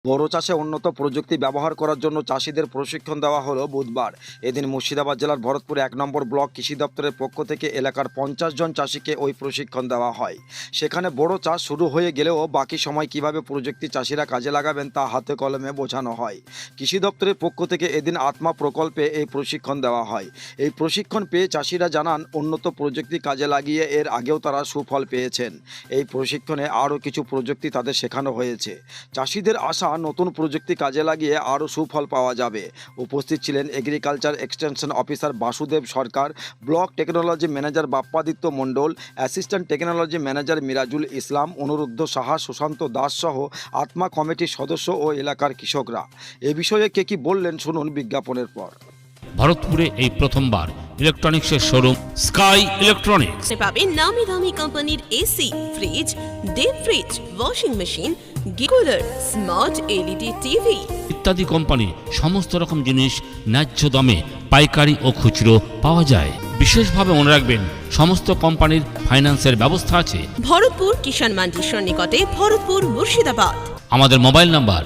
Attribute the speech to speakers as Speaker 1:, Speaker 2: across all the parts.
Speaker 1: বড় চাষে উন্নত প্রযুক্তি ব্যবহার করার জন্য চাষিদের প্রশিক্ষণ দেওয়া হলো বুধবার। এদিন মুর্শিদাবাদ জেলার ভরতপুর 1 নম্বর ব্লক কৃষি দপ্তরের পক্ষ থেকে এলাকার 50 জন চাষিকে ওই প্রশিক্ষণ দেওয়া হয়। সেখানে বড় চাষ শুরু হয়ে গেলেও বাকি সময় কিভাবে প্রযুক্তি চাষিরা কাজে লাগাবেন তা হাতে কলমে বোঝানো হয়। কৃষি দপ্তরের পক্ষ থেকে এদিন আত্মা প্রকল্পে এই প্রশিক্ষণ দেওয়া হয়। এই প্রশিক্ষণ পেয়ে চাষিরা জানান উন্নত প্রযুক্তি কাজে লাগিয়ে এর আগেও তারা সুফল পেয়েছেন। এই প্রশিক্ষণে আরও কিছু প্রযুক্তি তাদের শেখানো হয়েছে। চাষিদের আশা নতুন প্রযুক্তি কাজে লাগিয়ে আরও সুফল পাওয়া যাবে। উপস্থিত ছিলেন agriculture extension officer Basudeb Sarkar, block technology manager Bappaditya Mondal, assistant technology manager Mirajul Islam, Anuruddha Saha, Sushanta Das সহ আত্মা কমিটির সদস্য ও এলাকার কৃষকরা। এ বিষয়ে কে কি বললেন শুনুন বিজ্ঞাপনের পর।
Speaker 2: ভারতপুরে এই প্রথমবার ইলেকট্রনিক্সের শোরুম স্কাই ইলেকট্রনিক্স।
Speaker 3: পাবেন নামি দামি কোম্পানির AC, fridge, deep fridge, washing machine, cooler, smart LED TV
Speaker 2: ইত্যাদি কোম্পানি সমস্ত রকম জিনিস ন্যায্য দামে পাইকারি ও খুচরো পাওয়া যায়। বিশেষভাবে মনে রাখবেন সমস্ত কোম্পানির ফাইন্যান্সের ব্যবস্থা আছে।
Speaker 3: ভরতপুর কিষাণ মান্ডির সন্নিকটে, ভরতপুর, মুর্শিদাবাদ।
Speaker 2: আমাদের মোবাইল নাম্বার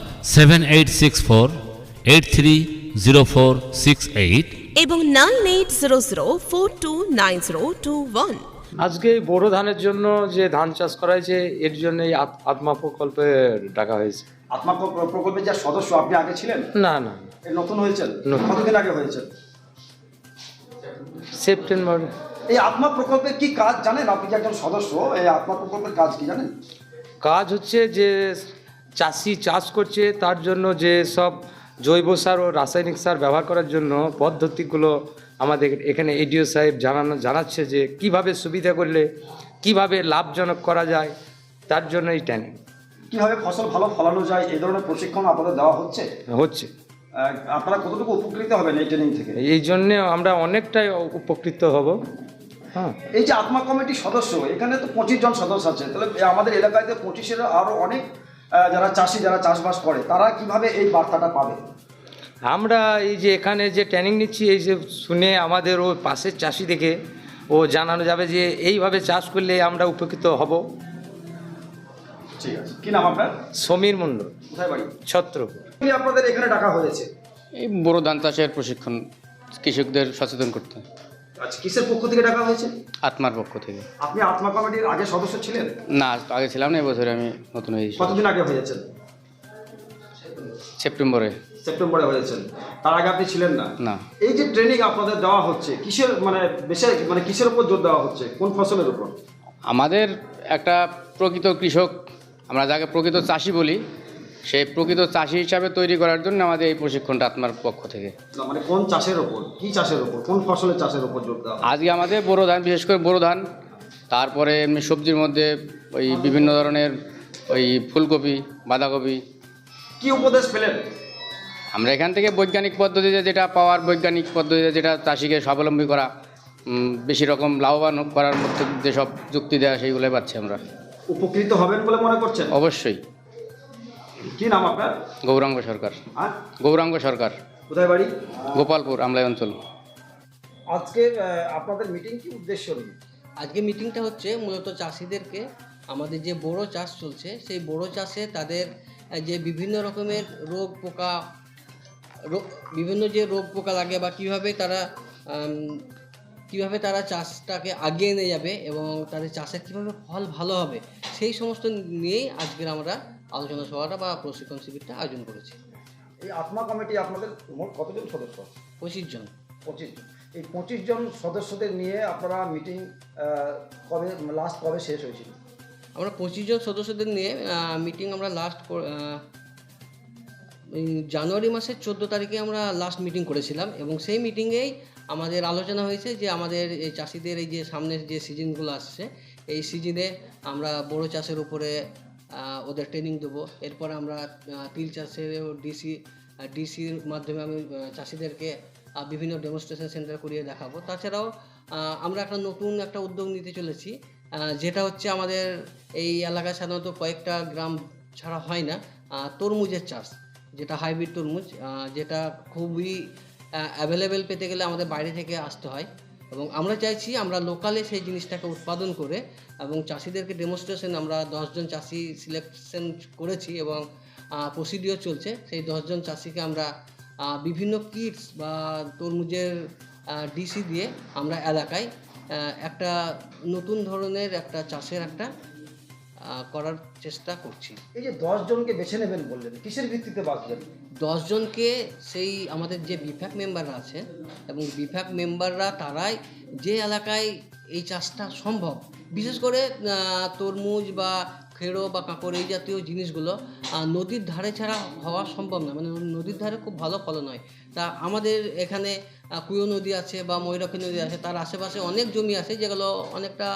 Speaker 2: 7864830468
Speaker 3: এবং 9800429021।
Speaker 4: আজকে এই বোরো ধানের জন্য যে ধান চাষ করা হয়েছে এর জন্য এই আত্মা প্রকল্পে ডাকা হয়েছে।
Speaker 1: আত্মা প্রকল্পের যে সদস্য আপনি আগে ছিলেন?
Speaker 4: না না,
Speaker 1: নতুন হয়েছেন?
Speaker 4: নতুন।
Speaker 1: কতদিন আগে হয়েছেন?
Speaker 4: সেপ্টেম্বর।
Speaker 1: এই আত্মা প্রকল্পের কি কাজ জানেন? আপনি যে একজন সদস্য, এই আত্মা প্রকল্পের কাজ কি জানেন?
Speaker 4: কাজ হচ্ছে যে চাষি চাষ করছে তার জন্য যে সব জৈব সার ও রাসায়নিক সার ব্যবহার করার জন্য পদ্ধতিগুলো আমাদের এখানে এডিও সাহেব জানাচ্ছে যে কিভাবে সুবিধা করলে কিভাবে লাভজনক করা যায়, তার জন্য এই ট্রেনিং
Speaker 1: কিভাবে ফসল ভালো ফলানো যায় এই ধরনের প্রশিক্ষণ আপনাদের দেওয়া হচ্ছে। আপনারা কতটুকু উপকৃত হবেন এই ট্রেনিং থেকে?
Speaker 4: এই জন্যে আমরা অনেকটাই উপকৃত হব। হ্যাঁ,
Speaker 1: এই যে আত্মা কমিটির সদস্য, এখানে তো 25 জন সদস্য আছে, তাহলে আমাদের এলাকায় তো 25-এর আরও অনেক যারা চাষি, যারা চাষবাস করে, তারা কিভাবে এই বার্তাটা পাবে?
Speaker 4: আমরা এই যে এখানে যে ট্রেনিং নিচ্ছি, এই যে শুনে আমাদের ও পাশের চাষি দেখে ও জানানো যাবে যে এইভাবে চাষ করলে আমরা উপকৃত হব।
Speaker 1: ঠিক আছে, কি নাম আপনার?
Speaker 4: সমীর মণ্ডল।
Speaker 1: কোথায় বাড়ি?
Speaker 4: ছত্রপুর।
Speaker 1: কি আপনাদের এখানে ডাকা হয়েছে?
Speaker 5: এই বড় ধান চাষের প্রশিক্ষণ, কৃষকদের সচেতন করতে।
Speaker 1: আচ্ছা, কিসের পক্ষ থেকে ডাকা হয়েছে?
Speaker 5: আত্মার পক্ষ থেকে।
Speaker 1: আপনি আত্মা কমিটির আগে সদস্য ছিলেন?
Speaker 5: না, আগে ছিলাম না, এবছরে আমি নতুন হয়েছি।
Speaker 1: কতদিন আগে হয়েছেন?
Speaker 5: সেপ্টেম্বরে।
Speaker 1: সেপ্টেম্বরে হয়েছেন, তার আগে আপনি ছিলেন না?
Speaker 5: না।
Speaker 1: এই যে ট্রেনিং আপনাদের দেওয়া হচ্ছে, কিসের কিসের উপর জোর দেওয়া হচ্ছে, কোন ফসলের উপর?
Speaker 5: আমাদের একটা প্রকৃত কৃষক, আমরা যাকে প্রকৃত চাষি বলি, সেই প্রকৃত চাষি হিসাবে তৈরি করার জন্য আমাদের এই প্রশিক্ষণটা আত্মার পক্ষ থেকে।
Speaker 1: মানে কোন চাষের উপর, কি চাষের উপর, কোন ফসলের চাষের উপর জোর দেওয়া?
Speaker 5: আজকে আমাদের বোরো ধান, বিশেষ করে বোরো ধান, তারপরে এমনি সবজির মধ্যে ওই বিভিন্ন ধরনের ওই ফুলকপি, বাঁধাকপি।
Speaker 1: কি উপদেশ পেলেন?
Speaker 5: আমরা এখান থেকে বৈজ্ঞানিক পদ্ধতিতে যেটা পাওয়ার, বৈজ্ঞানিক পদ্ধতিতে যেটা চাষিকে স্বাবলম্বী করা, বেশি রকম লাভবান করার মধ্যে যেসব যুক্তি দেওয়া, সেইগুলোই পাচ্ছি আমরা।
Speaker 1: উপকৃত হবেন বলে মনে করছেন?
Speaker 5: অবশ্যই।
Speaker 1: কি নাম আপনার?
Speaker 5: গৌরাঙ্গ সরকার।
Speaker 1: আর
Speaker 5: গৌরাঙ্গ সরকার।
Speaker 1: কোথায় বাড়ি?
Speaker 5: গোপালপুর, আমলাই অঞ্চল।
Speaker 1: আজকে আপনাদের মিটিং কি উদ্দেশ্য নিয়ে?
Speaker 6: আজকে মিটিংটা হচ্ছে মূলত চাষিদেরকে, আমাদের যে বোরো চাষ চলছে সেই বোরো চাষে তাদের যে বিভিন্ন রকমের বিভিন্ন যে রোগ পোকা লাগে বা কীভাবে তারা চাষটাকে আগিয়ে নিয়ে যাবে এবং তাদের চাষের কীভাবে ফল ভালো হবে, সেই সমস্ত নিয়েই আজকের আমরা আলোচনা সভাটা বা প্রশিক্ষণ শিবিরটা আয়োজন করেছি।
Speaker 1: এই আত্মা কমিটি আপনাদের মোট কতজন সদস্য?
Speaker 6: 25 জন।
Speaker 1: 25 জন। এই 25 জন সদস্যদের নিয়ে আপনারা মিটিং কবে শেষ হয়েছিল?
Speaker 6: আমরা 25 জন সদস্যদের নিয়ে মিটিং আমরা জানুয়ারি মাসের 14 তারিখে আমরা লাস্ট মিটিং করেছিলাম এবং সেই মিটিংয়েই আমাদের আলোচনা হয়েছে যে আমাদের এই চাষিদের এই যে সামনের যে সিজনগুলো আসছে, এই সিজনে আমরা বড় চাষের উপরে ওদের ট্রেনিং দেবো। এরপরে আমরা তিল চাষের ডিসির মাধ্যমে আমি চাষিদেরকে বিভিন্ন ডেমনস্ট্রেশন সেন্টার করিয়ে দেখাবো। তাছাড়াও আমরা নতুন একটা উদ্যোগ নিতে চলেছি, যেটা হচ্ছে আমাদের এই এলাকায় সাধারণত কয়েকটা গ্রাম ছাড়া হয় না তরমুজের চাষ, যেটা হাইব্রিড তরমুজ, যেটা খুবই অ্যাভেলেবেল পেতে গেলে আমাদের বাইরে থেকে আসতে হয় এবং আমরা চাইছি আমরা লোকালে সেই জিনিসটাকে উৎপাদন করে এবং চাষিদেরকে ডেমনস্ট্রেশন, আমরা 10 জন চাষি সিলেকশন করেছি এবং প্রসিডিওর চলছে। সেই 10জন চাষিকে আমরা বিভিন্ন কিটস বা তরমুজের ডিসি দিয়ে আমরা এলাকায় একটা নতুন ধরনের একটা চাষের একটা করার চেষ্টা করছি।
Speaker 1: এই যে 10 জনকে বেছে নেবেন বললেন, কিসের ভিত্তিতে বাছবেন?
Speaker 6: 10 জনকে সেই আমাদের যে বিভাগ মেম্বাররা আছেন এবং বিভাগ মেম্বাররা তারাই যে এলাকায় এই চাষটা সম্ভব, বিশেষ করে তরমুজ বা খেড়ো বা কাঁকড় এই জাতীয় জিনিসগুলো নদীর ধারে ছাড়া হওয়া সম্ভব না, মানে নদীর ধারে খুব ভালো ফলন হয়। তা আমাদের এখানে কুয়ো নদী আছে বা ময়ূরাক্ষী নদী আছে, তার আশেপাশে অনেক জমি আছে যেগুলো অনেকটা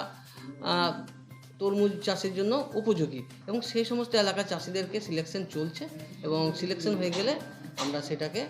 Speaker 6: তরমুজ চাষের জন্য উপযোগী, এবং সেই সমস্ত এলাকার চাষিদেরকে সিলেকশন চলছে এবং সিলেকশন হয়ে গেলে আমরা সেটাকে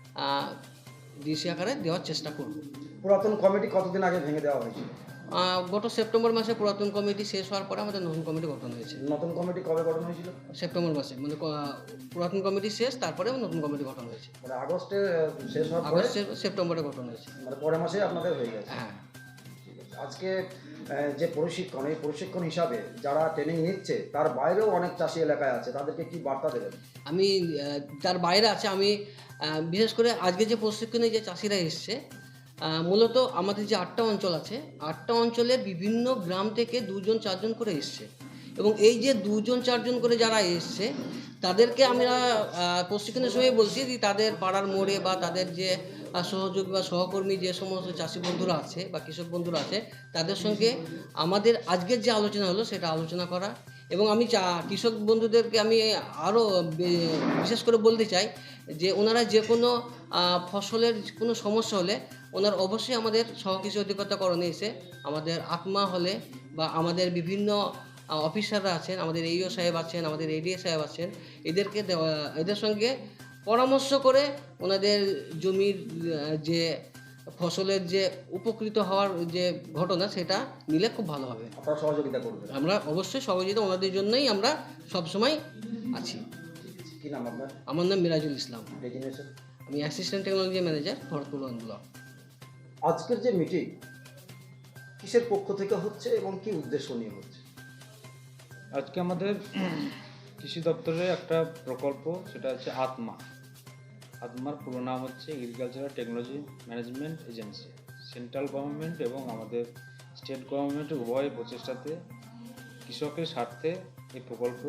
Speaker 6: ডিসি আকারে দেওয়ার চেষ্টা করব।
Speaker 1: পুরাতন কমিটি কতদিন আগে ভেঙে দেওয়া হয়েছিল?
Speaker 6: গত সেপ্টেম্বর মাসে পুরাতন কমিটি শেষ হওয়ার পরে আমাদের নতুন কমিটি গঠন হয়েছে।
Speaker 1: নতুন কমিটি কবে গঠন হয়েছিল?
Speaker 6: সেপ্টেম্বর মাসে, মানে পুরাতন কমিটি শেষ, তারপরে নতুন কমিটি গঠন হয়েছে।
Speaker 1: মানে আগস্টে শেষ হওয়ার পরে
Speaker 6: আগস্ট সেপ্টেম্বরে গঠন হয়েছে।
Speaker 1: মানে পরের মাসে আপনাদের হয়ে গেছে।
Speaker 6: হ্যাঁ,
Speaker 1: ঠিক আছে। আজকে যে প্রশিক্ষণ, এই প্রশিক্ষণ হিসাবে যারা ট্রেনিং নিচ্ছে তার বাইরেও অনেক চাষি এলাকায় আছে, তাদেরকে কি বার্তা দেবেন?
Speaker 6: আমি তার বাইরে আছে, আমি বিশেষ করে আজকে যে প্রশিক্ষণে যে চাষিরা এসছে, মূলত আমাদের যে 8টা অঞ্চল আছে, 8টা অঞ্চলের বিভিন্ন গ্রাম থেকে 2-4জন করে এসছে, এবং এই যে 2-4জন করে যারা এসছে তাদেরকে আমরা প্রশিক্ষণের সময় বলছি যে তাদের পাড়ার মোড়ে বা তাদের যে সহযোগী বা সহকর্মী যে সমস্ত চাষি বন্ধুরা আছে বা কৃষক বন্ধুরা আছে, তাদের সঙ্গে আমাদের আজকের যে আলোচনা হলো সেটা আলোচনা করা। এবং আমি কৃষক বন্ধুদেরকে আমি আরও বিশেষ করে বলতে চাই যে ওনারা যে কোনো ফসলের কোনো সমস্যা হলে ওনারা অবশ্যই আমাদের সহকৃষি অধিকর্তাকরণে এসে আমাদের আত্মা হলে বা আমাদের বিভিন্ন অফিসাররা আছেন, আমাদের এইও সাহেব আছেন, আমাদের এডিএ সাহেব আছেন, এদের সঙ্গে পরামর্শ করে ওনাদের জমির যে ফসলের যে উপকৃত হওয়ার যে ঘটনা সেটা নিলে খুব ভালো হবে।
Speaker 1: আপনারা সহযোগিতা করবেন?
Speaker 6: আমরা অবশ্যই সহযোগিতা ওনাদের জন্যই আমরা সবসময় আছি।
Speaker 1: কি নাম আপনার?
Speaker 6: আমার নাম মিরাজুল ইসলাম,
Speaker 1: ডেজিগনেশন?
Speaker 6: আমি assistant technology manager, Bharatpur block.
Speaker 1: আজকের যে মিটিং কিসের পক্ষ থেকে হচ্ছে এবং কি উদ্দেশ্য নিয়ে হচ্ছে?
Speaker 7: আজকে আমাদের কৃষি দপ্তরের একটা প্রকল্প, সেটা হচ্ছে আত্মার পুরো নাম হচ্ছে agricultural technology management agency. Central government এবং আমাদের স্টেট গভর্নমেন্টের উভয় প্রচেষ্টাতে কৃষকের স্বার্থে এই প্রকল্প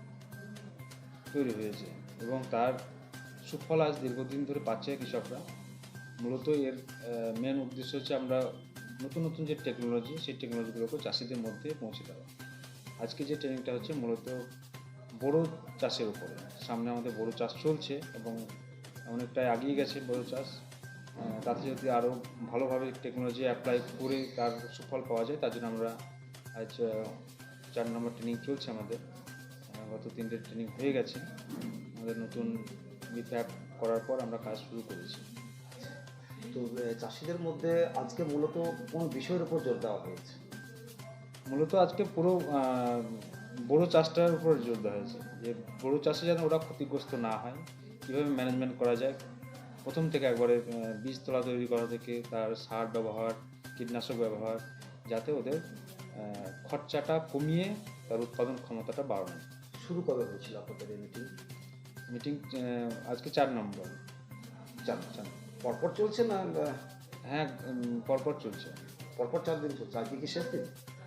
Speaker 7: তৈরি হয়েছে এবং তার সুফল আজ দীর্ঘদিন ধরে পাচ্ছে কৃষকরা। মূলত এর মেন উদ্দেশ্য হচ্ছে আমরা নতুন নতুন যে টেকনোলজি, সেই টেকনোলজিগুলোকে চাষিদের মধ্যে পৌঁছে দেওয়া। আজকে যে ট্রেনিংটা হচ্ছে মূলত বড় চাষের উপরে। সামনে আমাদের বড় চাষ চলছে এবং অনেকটাই এগিয়ে গেছে বড় চাষ। তাতে যদি আরও ভালোভাবে টেকনোলজি অ্যাপ্লাই করে তার সুফল পাওয়া যায়, তার জন্য আমরা আজ 4 নম্বর ট্রেনিং চলছে আমাদের। গত 3টে ট্রেনিং হয়ে গেছে। আমাদের নতুন অ্যাপ করার পর আমরা কাজ শুরু করেছি।
Speaker 1: তো চাষিদের মধ্যে আজকে মূলত কোন বিষয়ের উপর জোর দেওয়া হয়েছে?
Speaker 7: মূলত আজকে পুরো বড় চাষটার উপর জোর দেওয়া হয়েছে, যে বড় চাষে যেন ওরা ক্ষতিগ্রস্ত না হয়, কীভাবে ম্যানেজমেন্ট করা যায়। প্রথম থেকে একবারে বীজতলা তৈরি করা থেকে তার সার ব্যবহার, কীটনাশক ব্যবহার, যাতে ওদের খরচাটা কমিয়ে তার উৎপাদন ক্ষমতাটা বাড়ানো।
Speaker 1: শুরু কবে হয়েছিল আপনাদের এই
Speaker 7: মিটিং আজকে 4 নম্বর।
Speaker 1: 4 পরপর চলছে না?
Speaker 7: হ্যাঁ, পরপর চলছে।
Speaker 1: পরপর 4 দিন চলছে। আজকে কি শেষ দিন?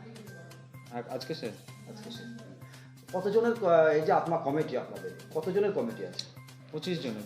Speaker 7: আজকে শেষ।
Speaker 1: আজকে শেষ। কতজনের এই যে আত্মা কমিটি, আপনাদের কতজনের কমিটি আছে?
Speaker 7: 25 জনের।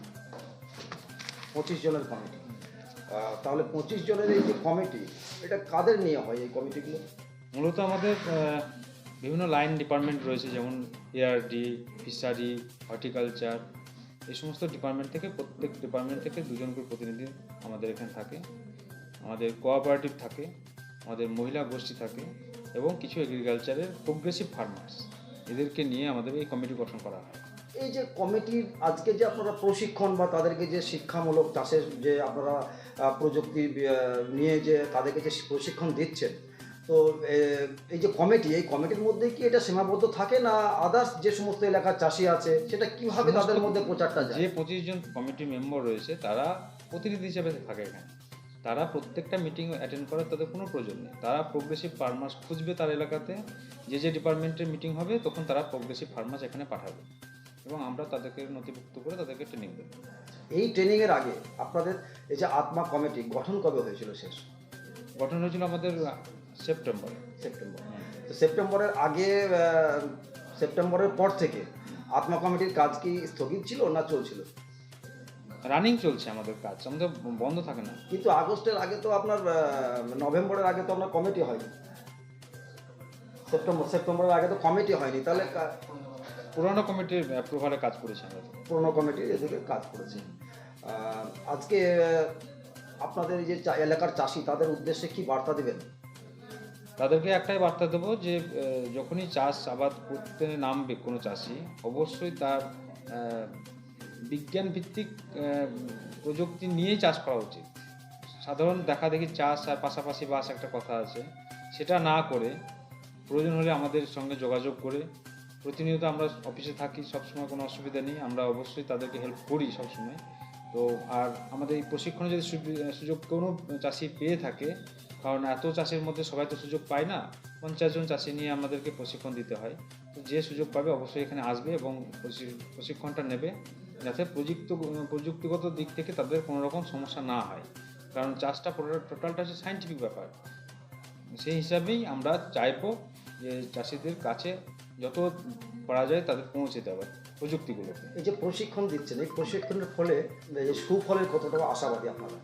Speaker 1: 25 জনের কমিটি। তাহলে 25 জনের এই যে কমিটি, এটা কাদের নিয়ে হয় এই কমিটিগুলো?
Speaker 7: মূলত আমাদের বিভিন্ন লাইন ডিপার্টমেন্ট রয়েছে, যেমন এআরডি, ফিশারি, হর্টিকালচার, এই সমস্ত ডিপার্টমেন্ট থেকে প্রত্যেক ডিপার্টমেন্ট থেকে 2 জন করে প্রতিনিধি আমাদের এখানে থাকে। আমাদের কোঅপারেটিভ থাকে, আমাদের মহিলা গোষ্ঠী থাকে এবং কিছু এগ্রিকালচারের প্রোগ্রেসিভ ফার্মার্স, এদেরকে নিয়ে আমাদের এই কমিটি গঠন করা হয়।
Speaker 1: এই যে কমিটির আজকে যে আপনারা প্রশিক্ষণ বা তাদেরকে যে শিক্ষামূলক চাষের যে আপনারা প্রযুক্তি নিয়ে যে তাদেরকে যে প্রশিক্ষণ দিচ্ছেন, তো এই যে কমিটি, এই কমিটির মধ্যে কি এটা সীমাবদ্ধ থাকে না আদার্স যে সমস্ত এলাকার চাষি আছে সেটা কিভাবে তাদের মধ্যে প্রচারটা যায়?
Speaker 7: যে 25 জন কমিটি মেম্বার রয়েছে তারা প্রতিনিধি হিসেবে থাকে এখানে। তারা প্রত্যেকটা মিটিং অ্যাটেন্ড করার তাদের কোনো প্রয়োজন নেই। তারা প্রোগ্রেসিভ ফার্মার্স খুঁজবে তার এলাকাতে, যে ডিপার্টমেন্টের মিটিং হবে তখন তারা প্রোগ্রেসিভ ফার্মার্স এখানে পাঠাবে। এবং আমরা তাদেরকে নথিভুক্ত করে তাদেরকে ট্রেনিং দেবো।
Speaker 1: এই ট্রেনিংয়ের আগে আপনাদের এই যে আত্মা কমিটি গঠন কবে হয়েছিল শেষ?
Speaker 7: গঠন হয়েছিল আমাদের সেপ্টেম্বরে।
Speaker 1: সেপ্টেম্বর। তো সেপ্টেম্বরের আগে সেপ্টেম্বরের পর থেকে আত্মা কমিটির কাজ কি স্থগিত ছিল না চলছিল?
Speaker 7: রানিং চলছে আমাদের কাজ, আমাদের বন্ধ থাকে না।
Speaker 1: কিন্তু আগস্টের আগে তো আপনার নভেম্বরের আগে তো আপনার কমিটি হয়নি, সেপ্টেম্বরের আগে তো কমিটি হয়নি, তাহলে
Speaker 7: পুরোনো কমিটির অ্যাপ্রুভালে কাজ করেছি আমরা।
Speaker 1: পুরনো কমিটি এদিকে কাজ করেছে। আজকে আপনাদের এই যে এলাকার চাষি তাদের উদ্দেশ্যে কি বার্তা দেবেন?
Speaker 7: তাদেরকে একটাই বার্তা দেবো যে যখনই চাষ আবাদ করতে নামবে কোনো চাষি, অবশ্যই তার বিজ্ঞান ভিত্তিক প্রযুক্তি নিয়েই চাষ করা উচিত। সাধারণ দেখা দেখি চাষ আর পাশাপাশি বাস একটা কথা আছে, সেটা না করে প্রয়োজন হলে আমাদের সঙ্গে যোগাযোগ করে, প্রতিনিয়ত আমরা অফিসে থাকি, সবসময় কোনো অসুবিধা নেই, আমরা অবশ্যই তাদেরকে হেল্প করি সবসময়। তো আর আমাদের এই প্রশিক্ষণে যদি সুযোগ কোনো চাষি পেয়ে থাকে, কারণ এত চাষের মধ্যে সবাই তো সুযোগ পায় না, 50 জন চাষি নিয়ে আমাদেরকে প্রশিক্ষণ দিতে হয়। তো যে সুযোগ পাবে অবশ্যই এখানে আসবে এবং প্রশিক্ষণটা নেবে, যাতে প্রযুক্তিগত দিক থেকে তাদের কোনো রকম সমস্যা না হয়। কারণ চাষটা টোটালটা হচ্ছে সায়েন্টিফিক ব্যাপার। সেই হিসাবেই আমরা চাইবো যে চাষিদের কাছে যত পারা যায় তাদের পৌঁছে দেওয়া প্রযুক্তিগুলোকে।
Speaker 1: এই যে প্রশিক্ষণ দিচ্ছেন, এই প্রশিক্ষণের ফলে এই যে সুফলের কতটা আশাবাদী আপনারা?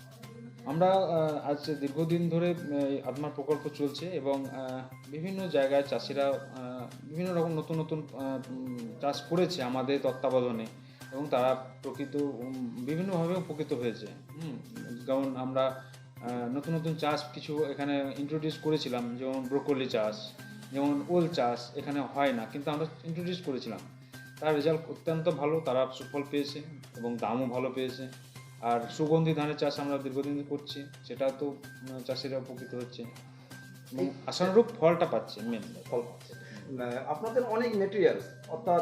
Speaker 7: আমরা আজ দীর্ঘদিন ধরে আত্মার প্রকল্প চলছে এবং বিভিন্ন জায়গায় চাষিরা বিভিন্ন রকম নতুন নতুন চাষ করেছে আমাদের তত্ত্বাবধানে এবং তারা বিভিন্নভাবে উপকৃত হয়েছে। যেমন আমরা নতুন নতুন চাষ কিছু এখানে ইন্ট্রোডিউস করেছিলাম, যেমন ব্রোকলি চাষ, যেমন ওল চাষ এখানে হয় না, কিন্তু আমরা ইন্ট্রোডিউস করেছিলাম। তার রেজাল্ট অত্যন্ত ভালো, তারা সুফল পেয়েছে এবং দামও ভালো পেয়েছে। আর সুগন্ধি ধানের চাষ আমরা দীর্ঘদিন করছি, সেটা তো চাষিরা উপকৃত হচ্ছে এবং আশানুরূপ ফলটা পাচ্ছে, মেন
Speaker 1: ফল পাচ্ছে। আপনাদের অনেক মেটেরিয়ালস, অর্থাৎ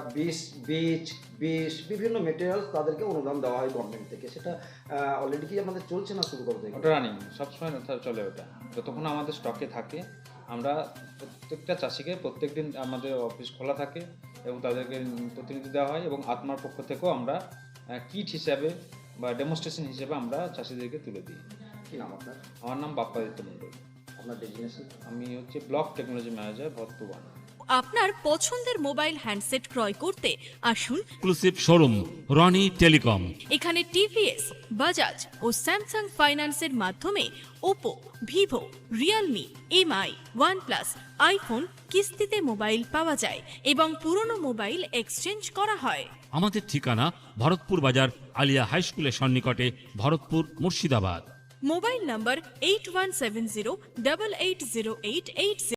Speaker 1: বীজ বিভিন্ন মেটেরিয়ালস তাদেরকে অনুদান দেওয়া হয় গভর্নমেন্ট থেকে, সেটা অলরেডি কি আমাদের চলছে না শুরু করতে?
Speaker 7: ওটা রানিং সবসময় চলে, ওটা যতক্ষণ আমাদের স্টকে থাকে আমরা প্রত্যেকটা চাষিকে প্রত্যেকদিন আমাদের অফিস খোলা থাকে এবং তাদেরকে প্রতিনিধি দেওয়া হয় এবং আত্মার পক্ষ থেকেও আমরা কিট হিসাবে বা ডেমনস্ট্রেশন হিসেবে আমরা চাষিদেরকে তুলে দিই।
Speaker 1: কি নাম আপনার?
Speaker 7: আমার নাম বাপ্পাদিত্য মণ্ডল।
Speaker 1: আপনার ডেজিগনেশন?
Speaker 7: আমি হচ্ছে ব্লক টেকনোলজি ম্যানেজার ভরতুবান।
Speaker 8: আপনার পছন্দের মোবাইল হ্যান্ডসেট ক্রয় করতে আসুন
Speaker 2: এক্সক্লুসিভ শোরুম রনি টেলিকম।
Speaker 8: এখানে টিভিএস, বাজাজ ও স্যামসাং ফাইন্যান্সের মাধ্যমে Oppo, Vivo, Realme, MI, OnePlus, iPhone কিস্তিতে মোবাইল পাওয়া যায় এবং পুরনো মোবাইল এক্সচেঞ্জ করা হয়।
Speaker 2: আমাদের ঠিকানা ভরতপুর বাজার আলিয়া হাই স্কুলের সন্নিকটে, ভরতপুর, মুর্শিদাবাদ।
Speaker 8: মোবাইল নম্বর 8170880880।